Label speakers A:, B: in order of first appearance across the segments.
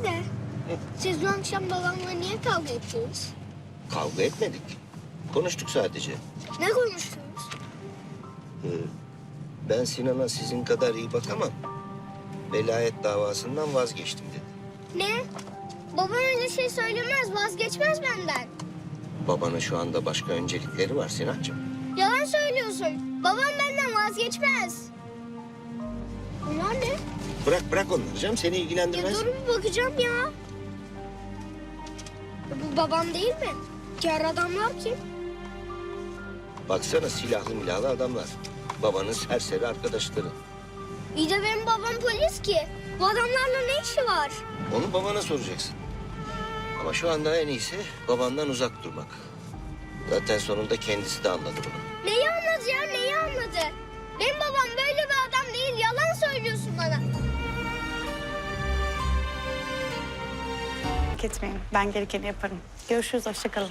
A: de. Siz dün akşam babamla niye kavga ettiniz?
B: Kavga etmedik. Konuştuk sadece.
A: Ne konuştunuz?
B: Ben Sinan'a sizin kadar iyi bakamam. Velayet davasından vazgeçtim dedi.
A: Ne? Babam öyle şey söylemez, vazgeçmez benden.
B: Babanın şu anda başka öncelikleri var Sinancığım.
A: Yalan söylüyorsun. Babam benden vazgeçmez. Bunlar ne?
B: Bırak onları canım, seni
A: Ya
B: ilgilendirmez.
A: dur bir bakacağım ya. Bu babam değil mi? Diğer adamlar kim?
B: Baksana, silahlı milahlı adamlar. Babanın serseri arkadaşları.
A: İyi de benim babam polis ki. Bu adamlarla ne işi var?
B: Onu babana soracaksın. Ama şu anda en iyisi babandan uzak durmak. Zaten sonunda kendisi de anladı bunu.
A: Neyi anladı ya, neyi anladı? Benim babam böyle bir adam değil, yalan söylüyorsun bana.
C: Merak etmeyin, ben gerekeni yaparım. Görüşürüz, hoşça kalın.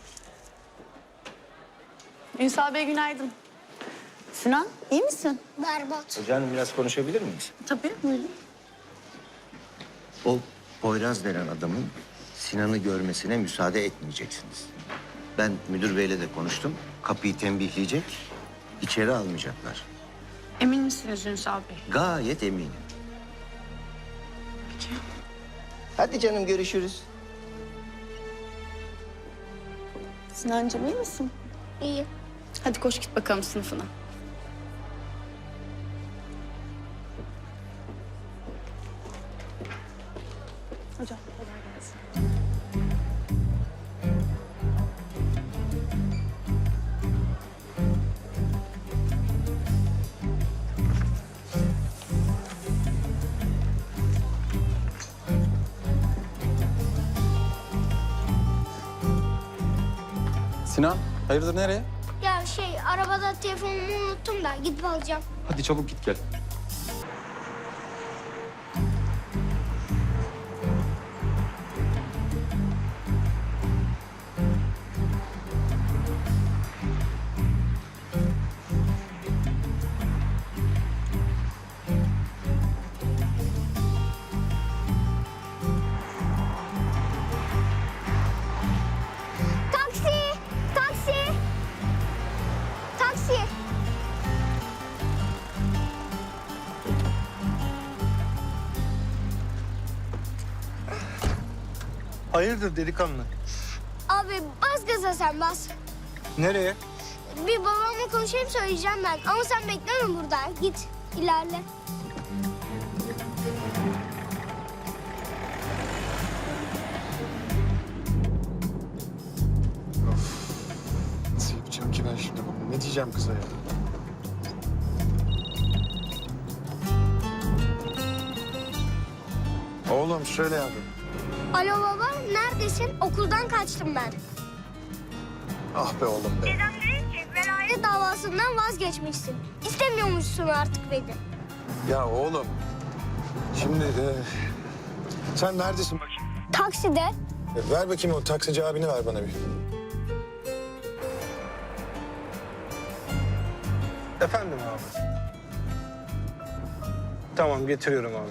C: Ünsal Bey günaydın. Sinan, iyi misin?
A: Berbat.
B: Hocam biraz konuşabilir miyiz?
C: Tabii, buyurun.
B: O Poyraz denen adamın Sinan'ı görmesine müsaade etmeyeceksiniz. Ben müdür beyle de konuştum. Kapıyı tembihleyecek, içeri almayacaklar.
C: Emin misiniz Ünsal Bey?
B: Gayet eminim.
C: Peki.
B: Hadi canım, görüşürüz.
C: Sinancığım iyi misin?
A: İyi.
C: Hadi koş git bakalım sınıfına. Hocam, kolay gelsin.
D: Sinan, hayırdır nereye?
A: Ya arabada telefonumu unuttum da gidip alacağım.
D: Hadi çabuk git gel.
A: Taksi! Taksi! Taksi!
E: Hayırdır delikanlı?
A: Abi bas gaza sen bas.
E: Nereye?
A: Bir babamla konuşayım söyleyeceğim ben. Ama sen bekleme burada. Git ilerle.
E: Nasıl yapacağım ki ben şimdi bunu? Ne diyeceğim kıza ya? Oğlum söyle yavrum.
A: Alo baba neredesin? Okuldan kaçtım ben.
E: Ah be oğlum be.
A: Dedem dedi ki velayet davasından vazgeçmişsin. İstemiyormuşsun artık beni.
E: Ya oğlum. Şimdi sen neredesin bakayım?
A: Takside.
E: Ver bakayım o taksici abini ver bana bir. Efendim abi. Tamam getiriyorum abi.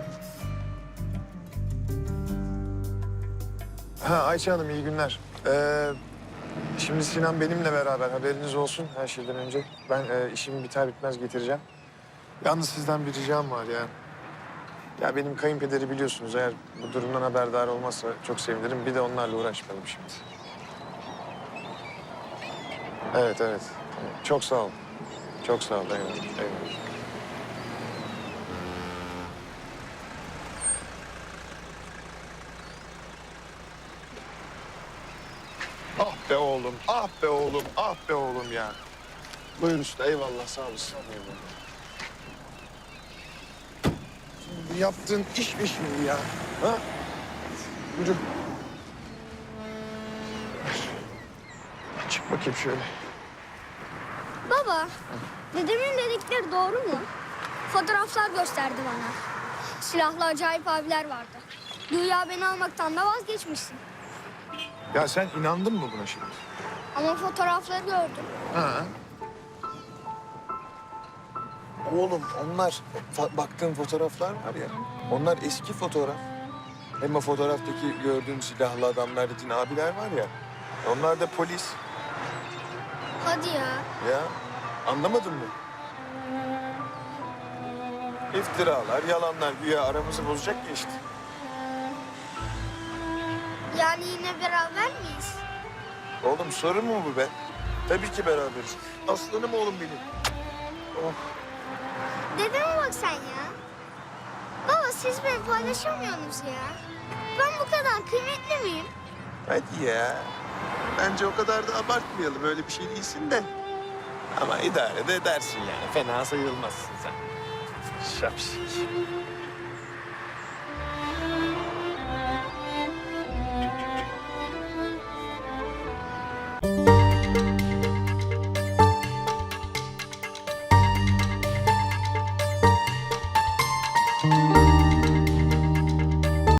E: Ha Ayça Hanım iyi günler. Şimdi Sinan benimle beraber haberiniz olsun her şeyden önce. Ben işim biter bitmez getireceğim. Yalnız sizden bir ricam var ya. Ya benim kayınpederi biliyorsunuz, eğer bu durumdan haberdar olmazsa çok sevinirim. Bir de onlarla uğraşmayalım şimdi. Evet, evet. Çok sağ ol. Çok sağ ol. Eyvallah. Eyvallah. Ah be oğlum, ah be oğlum, ah be oğlum ya. Buyur usta, eyvallah, sağ olasın. Eyvallah. Şimdi yaptığın iş mi şimdi ya? Ha? Yürü. Çık bakayım şöyle.
A: Baba dedemin dedikleri doğru mu? Fotoğraflar gösterdi bana. Silahlı acayip abiler vardı. Güya beni almaktan da vazgeçmişsin.
E: Ya sen inandın mı buna şimdi?
A: Ama fotoğrafları gördüm.
E: Ha. Oğlum onlar baktığın fotoğraflar var ya, onlar eski fotoğraf. Hem o fotoğraftaki gördüğün silahlı adamlar dediğin abiler var ya. Onlar da polis.
A: Hadi ya.
E: Ya anlamadın mı? İftiralar, yalanlar güya aramızı bozacak ya işte.
A: Yani yine beraber miyiz?
E: Oğlum sorun mu bu be? Tabii ki beraberiz. Aslanım oğlum benim. Oh.
A: Dedeme bak sen ya. Baba siz beni paylaşamıyorsunuz ya. Ben bu kadar kıymetli miyim?
E: Hadi ya. Bence o kadar da abartmayalım. Öyle bir şey değilsin de. Ama idare de edersin yani. Fena sayılmazsın sen. Şapşik.